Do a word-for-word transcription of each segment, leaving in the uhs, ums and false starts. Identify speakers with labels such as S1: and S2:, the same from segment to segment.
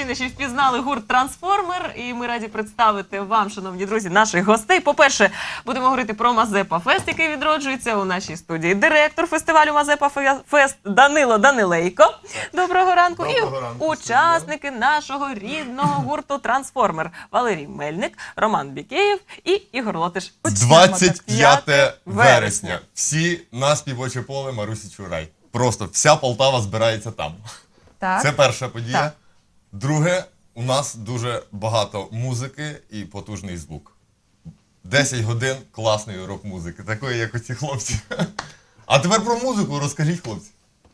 S1: щойно ще впізнали гурт «Трансформер», і ми раді представити вам, шановні друзі, наших гостей. По-перше, будемо говорити про Мазепа Фест, який відроджується у нашій студії. Директор фестивалю Мазепа Фест Данило Данилейко. Доброго ранку.
S2: Доброго
S1: і
S2: ранку,
S1: учасники нашого рідного гурту «Трансформер» Валерій Мельник, Роман Бікеєв і Ігор Лотиш.
S2: двадцять п'яте вересня. Всі на співоче поле Марусі Чурай. Просто вся Полтава збирається там.
S3: Так.
S2: Це перша подія.
S3: Так.
S2: Друге, у нас дуже багато музики і потужний звук. десять годин класної рок-музики, такої, як оці хлопці. А тепер про музику розкажіть, хлопці.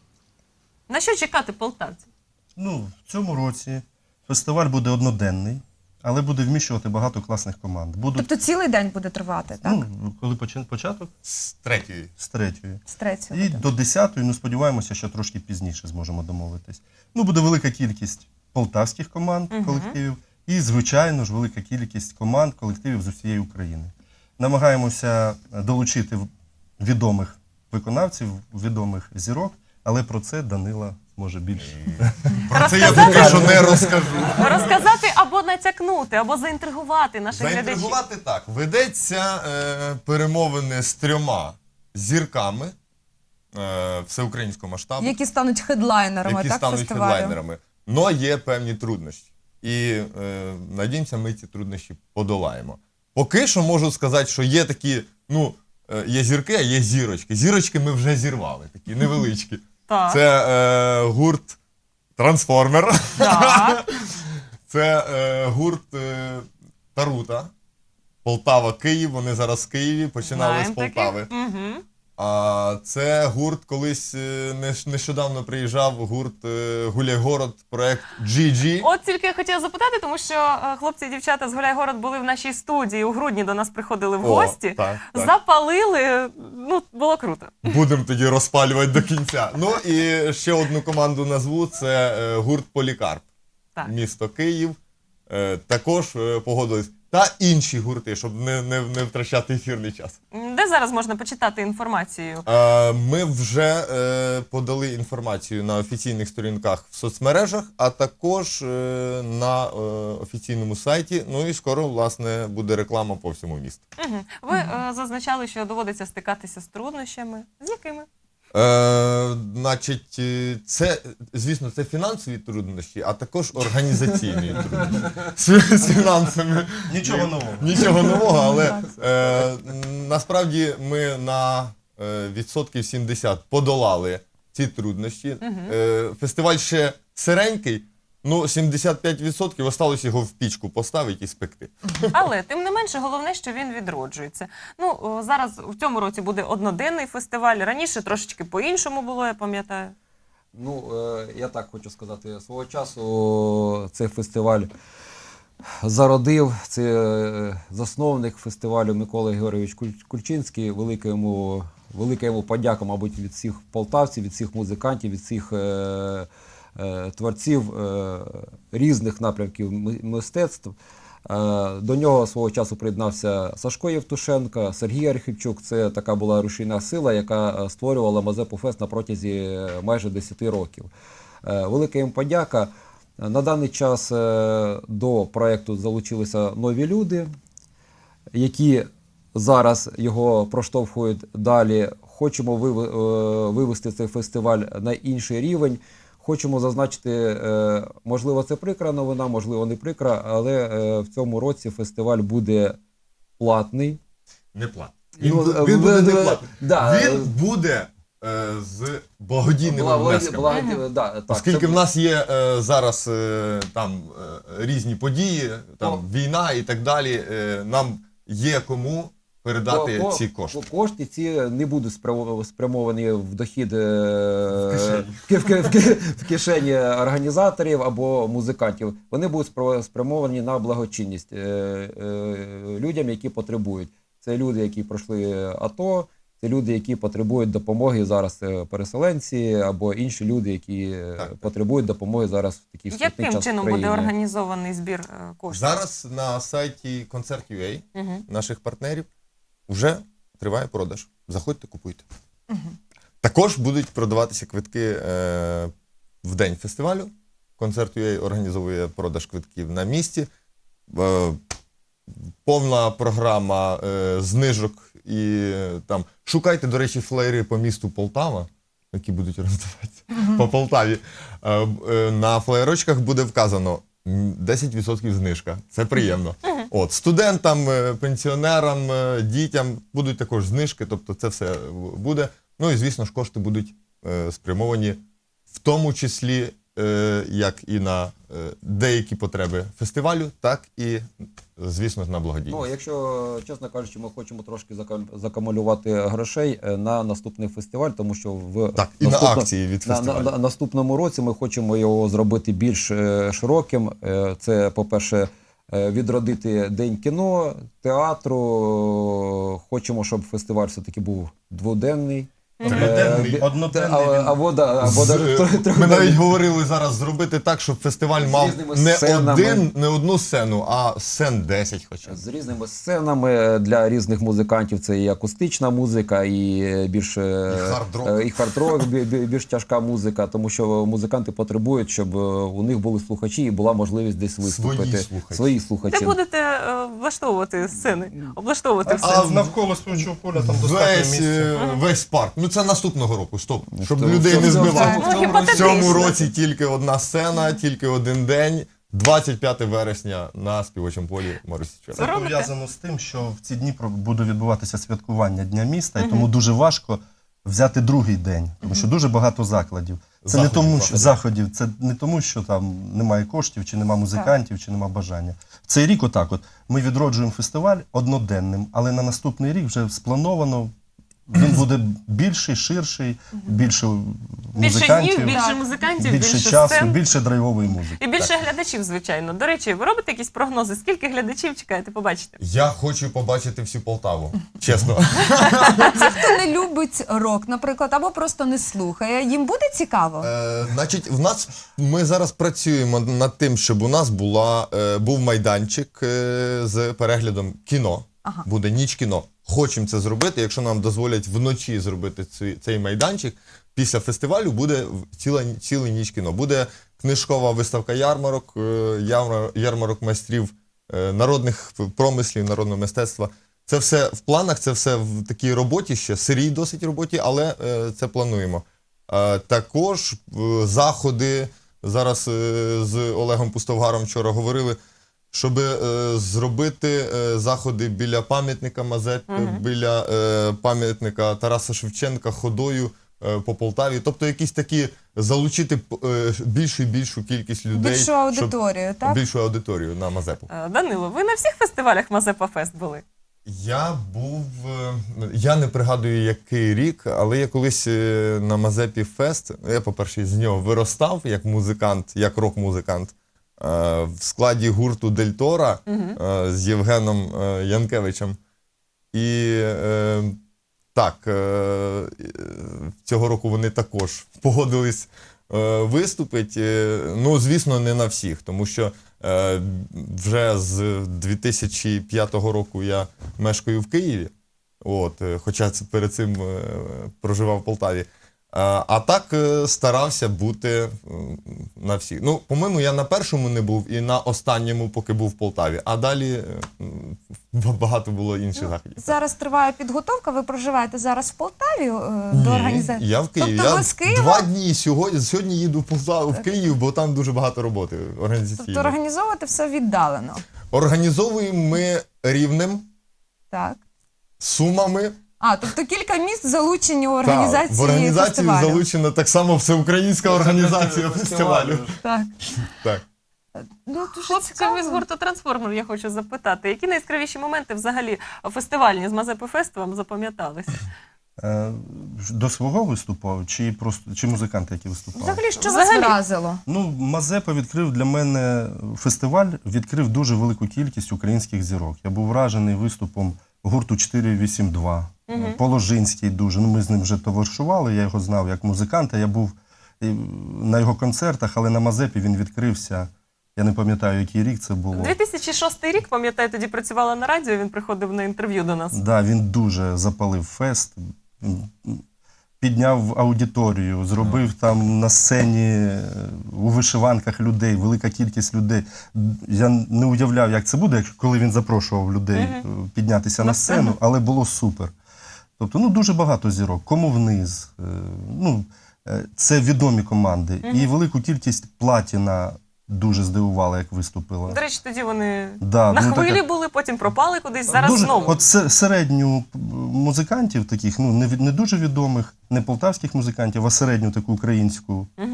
S1: На що чекати полтавців?
S4: Ну, в цьому році фестиваль буде одноденний, але буде вміщувати багато класних команд. Будуть,
S3: Тобто цілий день буде тривати, так?
S4: ну, коли почин- початок?
S2: З третьої.
S4: З третьої.
S3: З третього.
S4: І до десятої, ну, сподіваємося, що трошки пізніше зможемо домовитись. Ну, буде велика кількість полтавських команд, колективів, і, звичайно ж, велика кількість команд, колективів з усієї України. Намагаємося долучити відомих виконавців, відомих зірок, але про це Данила може більше.
S2: Про це я поки що не розкажу.
S1: Розказати або натякнути, або заінтригувати наших глядачів.
S2: Заінтригувати так. Ведеться е, перемовини з трьома зірками е, всеукраїнського масштабу,
S3: Які стануть хедлайнерами,
S2: які
S3: так,
S2: стануть
S3: фестивалю?
S2: хедлайнерами. Но є певні труднощі. І е, надіємося, ми ці труднощі подолаємо. Поки що можу сказати, що є такі, ну, е, є зірки, а є зірочки. Зірочки ми вже зірвали, такі невеличкі.
S1: Так.
S2: Це е, гурт «Трансформер».
S1: Так.
S2: Це е, гурт е, Тарута. Полтава, Київ. Вони зараз в Києві, починали
S1: Знаємо
S2: з Полтави.
S1: таких. Мгм.
S2: А це гурт, колись е, нещ- нещодавно приїжджав гурт е, Гуляйгород, проект джі джі.
S1: От тільки я хотіла запитати, тому що е, хлопці і дівчата з Гуляйгород були в нашій студії, у грудні до нас приходили в
S2: О,
S1: гості,
S2: так, так.
S1: запалили, ну, було круто.
S2: Будемо тоді розпалювати до кінця. Ну і ще одну команду назву, це е, гурт Полікарп.
S1: Так.
S2: Місто Київ. Е, також е, погодились. Та інші гурти, щоб не, не, не втрачати ефірний час.
S1: Де зараз можна почитати інформацію?
S2: Е, Ми вже е, подали інформацію на офіційних сторінках в соцмережах, а також е, на е, офіційному сайті. Ну і скоро, власне, буде реклама по всьому місту.
S1: Мгм. Ви е, зазначали, що доводиться стикатися з труднощами. З якими?
S2: Е, значить, е, це, звісно, це фінансові труднощі, а також організаційні труднощі. З, з фінансами.
S4: Нічого нового.
S2: Нічого нового, але е, насправді ми на е, відсотків сімдесят подолали ці труднощі. Е, фестиваль ще сиренький, ну сімдесят п'ять відсотків осталось його в пічку поставити і спекти.
S1: Але, тим не менше, головне, що він відроджується. Ну, о, зараз в цьому році буде одноденний фестиваль. Раніше трошечки по-іншому було, я пам'ятаю.
S5: Ну, е, я так хочу сказати, свого часу цей фестиваль зародив, це е, засновник фестивалю Микола Георгійович Куль- Кульчинський. Велика йому, велика йому подяка, мабуть, від всіх полтавців, від всіх музикантів, від всіх е, е, творців е, різних напрямків ми- мистецтв. Е, До нього свого часу приєднався Сашко Євтушенко, Сергій Архівчук. Це така була рушійна сила, яка створювала Мазепу Фест на протязі майже десяти років. Е, Велика їм подяка. На даний час е, до проєкту залучилися нові люди, які зараз його проштовхують далі. Хочемо вив- е, вивести цей фестиваль на інший рівень. Хочемо зазначити, е, можливо, це прикра новина, можливо, не прикра, але е, в цьому році фестиваль буде платний.
S2: Не платний. Він,
S5: Ну,
S2: бу- він буде
S5: е,
S2: не
S5: е,
S2: платний.
S5: да.
S2: Він буде е, з благодійними
S5: Благо-
S2: внесками.
S5: благо- да, так,
S2: Оскільки
S5: це-
S2: в нас є е, зараз е, там е, різні події, там
S5: О.
S2: війна і так далі, е, нам є кому передати
S5: Ко-
S2: ці
S5: ко-
S2: кошти.
S5: Кошти ці не будуть спрямо- спрямовані в дохід е,
S2: В кишені.
S5: в ки- в ки- в ки- в кишені організаторів або музикантів. Вони будуть спро- спрямовані на благочинність е, е, людям, які потребують. Це люди, які пройшли АТО, це люди, які потребують допомоги зараз, це переселенці або інші люди, які е,
S2: Так, так.
S5: потребують допомоги зараз в такий скрутний
S1: Яким
S5: час в
S1: чином буде
S5: країні.
S1: організований збір е, коштів?
S2: Зараз на сайті Концерт.ua
S1: Мгм.
S2: наших партнерів вже триває продаж. Заходьте, купуйте. Також будуть продаватися квитки е, в день фестивалю Концерт.ua організовує продаж квитків на місці. Е, Повна програма е, знижок і е, там шукайте, до речі, флеєри по місту Полтава, які будуть роздаватися по Полтаві. Е, е, на флеєрочках буде вказано м, десять відсотків знижка. Це приємно. От, студентам, е, пенсіонерам, е, дітям будуть також знижки, тобто це все буде. Ну і, звісно ж, кошти будуть е, спрямовані в тому числі е, як і на е, деякі потреби фестивалю, так і, звісно ж, на благодійність.
S5: Ну, якщо, чесно кажучи, ми хочемо трошки зака- закамулювати грошей е, на наступний фестиваль, тому що в
S2: Так, і на
S5: наступно-
S2: акції від
S5: на,
S2: фестивалю.
S5: на, на наступному році ми хочемо його зробити більш е, широким. Е, це, по-перше, е, відродити День кіно, театру. Хочемо, щоб фестиваль все-таки був дводенний.
S4: Триденний,
S5: Е,
S4: одноденний
S5: а-
S4: він-
S5: Або, да, або
S2: З-
S5: даже
S2: е,
S5: трьох-
S2: Ми
S5: трьохденний.
S2: навіть говорили зараз зробити так, щоб фестиваль
S5: З
S2: мав
S5: різними
S2: не,
S5: сценами.
S2: один, не одну сцену, а сцен десять хоча б.
S5: З різними сценами для різних музикантів. Це і акустична музика, і більш е,
S2: І хард-рок.
S5: е, і хард-рок, бі- бі- більш тяжка музика, тому що музиканти потребують, щоб е, у них були слухачі і була можливість десь виступити.
S2: слухачі.
S5: Свої слухачі.
S1: Де будете е, влаштовувати сцени? Облаштовувати
S4: А
S1: все?
S4: навколо співчого поля там достатньо
S2: Весь,
S4: місця.
S2: е, весь парк. Ну це наступного року, стоп. Щоб
S5: цьому-
S2: людей
S5: в
S2: не
S5: цьому-
S2: збивати.
S5: в цьому-
S1: Ну,
S5: в цьому році-
S2: В цьому
S1: гіпотетично.
S2: році тільки одна сцена, тільки один день. двадцять п'яте вересня на співочому полі Моросічера.
S4: Це
S1: робите?
S4: пов'язано з тим, що в ці дні про- буде відбуватися святкування Дня міста, і тому дуже важко взяти другий день, тому що дуже багато закладів. Це не
S2: Заходів
S4: тому,
S2: багато.
S4: що заходів, це не тому, що там немає коштів, чи немає музикантів, чи немає бажання. В цей рік, отак, от ми відроджуємо фестиваль одноденним, але на наступний рік вже сплановано. Він буде більший, ширший, більше
S1: Більше
S4: музикантів,
S1: днів, більше
S3: Так.
S1: музикантів,
S4: більше
S1: більше
S4: часу,
S1: сцен.
S4: більше драйвової музики.
S1: І більше глядачів, звичайно. До речі, ви робите якісь прогнози? Скільки глядачів чекаєте побачити?
S2: Я хочу побачити всю Полтаву, чесно.
S3: Ті, хто не любить рок, наприклад, або просто не слухає, їм буде цікаво?
S2: Е, значить, в нас ми зараз працюємо над тим, щоб у нас була, е, був майданчик е, з переглядом кіно.
S3: Ага.
S2: Буде ніч кіно. Хочемо це зробити. Якщо нам дозволять вночі зробити цей, цей майданчик, після фестивалю буде в- ціла, ціла ніч кіно. Буде книжкова виставка ярмарок, е, ярмар- ярмарок майстрів е, народних промислів, народного мистецтва. Це все в планах, це все в такій роботі ще, сирій досить роботі, але е, це плануємо. Е, також е, заходи, зараз е, з Олегом Пустовгаром вчора говорили, щоб е, зробити е, заходи біля пам'ятника Мазепі, біля е, пам'ятника Тараса Шевченка ходою е, по Полтаві. Тобто якісь такі залучити е, більшу і більшу кількість людей.
S3: Більшу
S2: щоб-
S3: аудиторію, так?
S2: Більшу аудиторію на Мазепу.
S1: Е, Данило, ви на всіх фестивалях Мазепа Фест були?
S2: Я був, е, я не пригадую який рік, але я колись е, на Мазепі Фест, я, по-перше, з нього виростав як музикант, як рок-музикант, е, в складі гурту Дель Тора е, з Євгеном е, Янкевичем. І е, так, е, е, цього року вони також погодились е, виступити. Е, Ну, звісно, не на всіх, тому що е, вже з дві тисячі п'ятого року я мешкаю в Києві, от, е, хоча це перед цим е, проживав в Полтаві. А, а так е, старався бути е, на всіх. Ну, по-моєму, я на першому не був і на останньому, поки був в Полтаві. А далі е, м, багато було інших заходів.
S3: Зараз триває підготовка, ви проживаєте зараз в Полтаві е, до
S2: Ні,
S3: організації?
S2: я в Києві.
S3: Тобто
S2: я
S3: ви з Києва?
S2: два дні сьогодні, сьогодні їду в Полтаву, в Київ, бо там дуже багато роботи організаційної.
S3: Тобто організовувати все віддалено,
S2: Організовуємо ми Рівнем,
S3: так?
S2: Сумами.
S3: А, тобто кілька міст залучені у
S2: Та,
S3: організації
S2: в організацію
S3: фестивалю.
S2: залучена так само всеукраїнська організація фестивалю.
S3: Так.
S2: Так.
S3: Ну, дуже
S1: Хлопці,
S3: цікаво.
S1: ви з гурту «Трансформер» я хочу запитати. Які найяскравіші моменти взагалі фестивальні з Мазепи Фест вам запам'яталися?
S4: Е, До свого виступу чи просто чи музиканти, які виступали?
S3: Взагалі, що
S1: Взагалі.
S3: вас вразило?
S4: Ну, Мазепа відкрив для мене фестиваль, відкрив дуже велику кількість українських зірок. Я був вражений виступом гурту чотири вісім два. Положинський дуже. Ну, ми з ним вже товаришували, я його знав як музиканта. Я був і на його концертах, але на Мазепі він відкрився. Я не пам'ятаю, який рік це було.
S1: дві тисячі шостий рік, пам'ятаю, тоді працювала на радіо, він приходив на інтерв'ю до нас.
S4: Да, він дуже запалив фест. підняв аудиторію, зробив там на сцені е, у вишиванках людей, велика кількість людей. Я не уявляв, як це буде, якщо- коли він запрошував людей е, піднятися на сцену, але було супер. Тобто, ну, дуже багато зірок. Кому вниз. е, Ну, е, це відомі команди. І велику кількість платіна дуже здивувала, як виступила.
S1: До речі, тоді вони
S4: Да,
S1: на
S4: ну,
S1: хвилі
S4: така-
S1: були, потім пропали кудись, зараз
S4: дуже,
S1: знову.
S4: От се- середню п- музикантів таких, ну не, від- не дуже відомих, не полтавських музикантів, а середню таку українську е,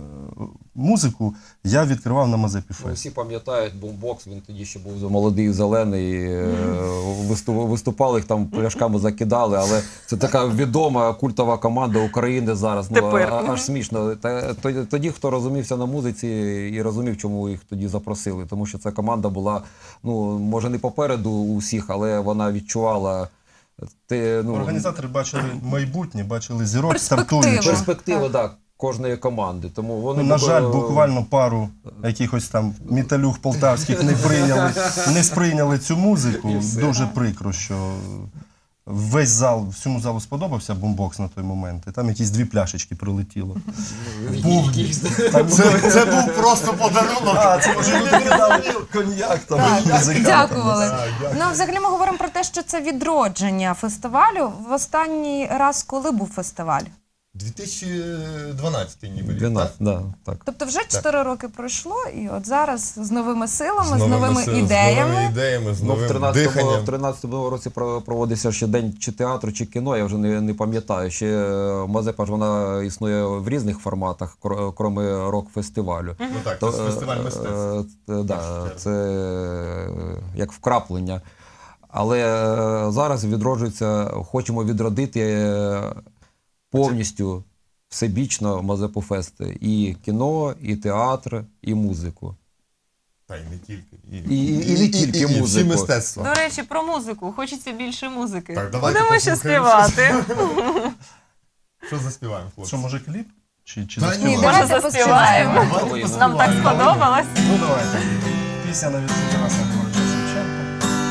S4: музику я відкривав на Мазепі
S5: Ну,
S4: Фест.
S5: всі пам'ятають бумбокс, він тоді ще був молодий, зелений, е, висту- виступали, їх там пляшками закидали, але це така відома культова команда України зараз. Ну,
S1: Тепер.
S5: а- аж смішно. Та- то- Тоді, хто розумівся на музиці і розумів, чому їх тоді запросили, тому що ця команда була, ну, може, не попереду усіх, але вона відчувала те, ну,
S4: Організатори бачили майбутнє, бачили зірок
S3: Перспективи.
S4: стартуючих.
S5: перспективи, так, кожної команди. Тому вони
S4: Ну, на жаль,
S5: були-
S4: буквально пару якихось там металюх полтавських не прийняли, не сприйняли цю музику.
S5: І все.
S4: Дуже прикро, що весь зал, всьому залу сподобався бумбокс на той момент. І там якісь дві пляшечки прилетіло.
S5: Якісь-
S2: Це, це був просто подарунок.
S4: А, це може люди дали коньяк там.
S3: Так,
S4: музикантам.
S3: дякували.
S2: Так, дякую.
S3: Ну, взагалі ми говоримо про те, що це відродження фестивалю. В останній раз, коли був фестиваль?
S2: дві тисячі дванадцятий ніби рік,
S5: дванадцять,
S2: так?
S5: да, так.
S3: Тобто вже чотири роки пройшло, і от зараз з новими силами, з новими,
S2: новими сил-
S3: ідеями.
S2: з новими ідеями, з
S5: Ну, в
S2: новим
S5: 13-му,
S2: диханням.
S5: в тринадцятому році про- проводився ще день чи театру, чи кіно, я вже не, не пам'ятаю. Ще е, Мазепа ж вона існує в різних форматах, кр- крім рок-фестивалю.
S2: Ну так,
S5: То,
S2: це фестиваль мистецтв.
S5: е, е, да,
S2: чергу.
S5: це е, як вкраплення. Але е, зараз відроджується, хочемо відродити е, повністю всебічно Мазепу Фест. І кіно, і театр, і музику.
S2: Та й не тільки.
S5: І- і- і не тільки
S2: і,
S5: музику.
S2: всі мистецтва.
S1: До речі, про музику. Хочеться більше музики.
S2: Так, давайте
S1: Будемо ще
S2: послухаємо.
S1: співати.
S2: Що заспіваємо, хлопці?
S4: Що, може кліп? Чи, чи
S2: Та ні,
S4: заспіваємо?
S3: давайте
S1: Може, заспіваємо.
S3: поспіваємо.
S1: Нам так сподобалось.
S4: Ну давайте. Пісня на відсутку Тараса Григоровича Шевченка.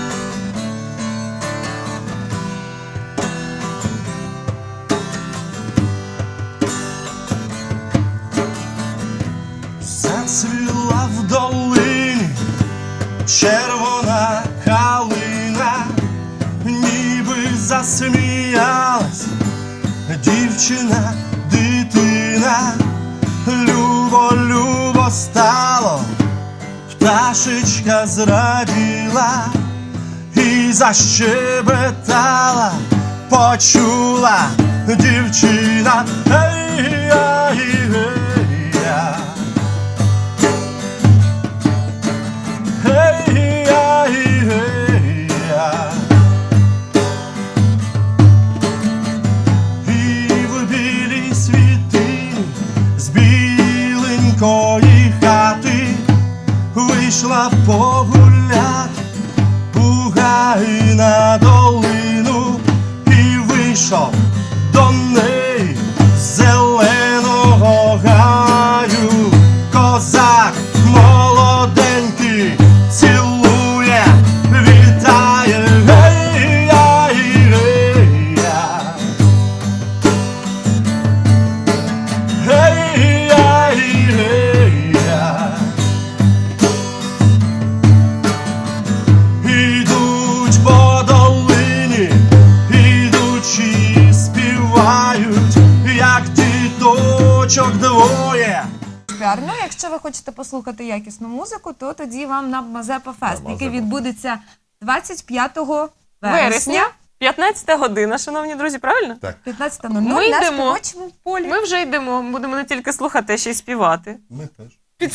S4: Зацвіла в долині червона калина, ніби засміялась дівчина, дитина. Любо, любо стало, пташечка зраділа і защебетала, почула дівчина. Ей-я-й-ей-я. Ей-я-й-ей-я. І в білій світині з біленької хати вийшла погуляти у гай на долину, і вийшов до неї з зеленого гаю козак молоденький, цілує, вітає. Гей-я-й-гей-я. Гей-я-й-гей-я. Ідуть по долині, ідучи співають, як діточок двоє.
S3: Ну, якщо ви хочете послухати якісну музику, то тоді вам на Мазепа Фест, який відбудеться двадцять п'ятого вересня,
S1: Вересня, п'ятнадцята година, шановні друзі, правильно?
S2: Так.
S3: п'ятнадцятого
S1: Ми
S3: на
S1: йдемо.
S3: співочому полі.
S1: Ми вже йдемо, будемо не тільки слухати, а ще й співати.
S4: Ми теж.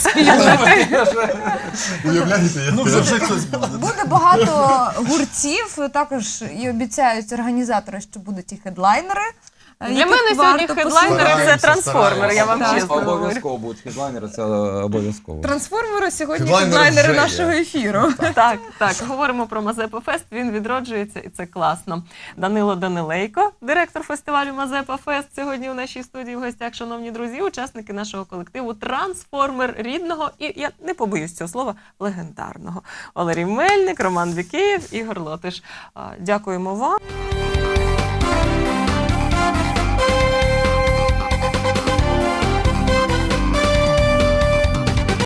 S2: Уявляєте, я
S4: Ну, вже вже хтось буде.
S3: Буде багато гуртів, також і обіцяють організатори, що будуть і хедлайнери.
S1: Для
S3: яких
S1: мене сьогодні
S3: варто
S1: хедлайнери це
S2: Стараємося,
S1: трансформер, я вам
S2: стараємося.
S1: чесно говорю.
S5: Обов'язково будуть хедлайнери, це обов'язково.
S3: Трансформери сьогодні
S2: Хедлайнери
S3: хедлайнери
S2: вже є.
S3: нашого ефіру.
S1: Так, так, говоримо про Мазепа Фест, він відроджується і це класно. Данило Данилейко, директор фестивалю Мазепа Фест, сьогодні у нашій студії в гостях, шановні друзі, учасники нашого колективу «Трансформер» рідного і, я не побоюсь цього слова, легендарного. Валерій Мельник, Роман Бікеєв, Ігор Лотиш. А, Дякуємо вам.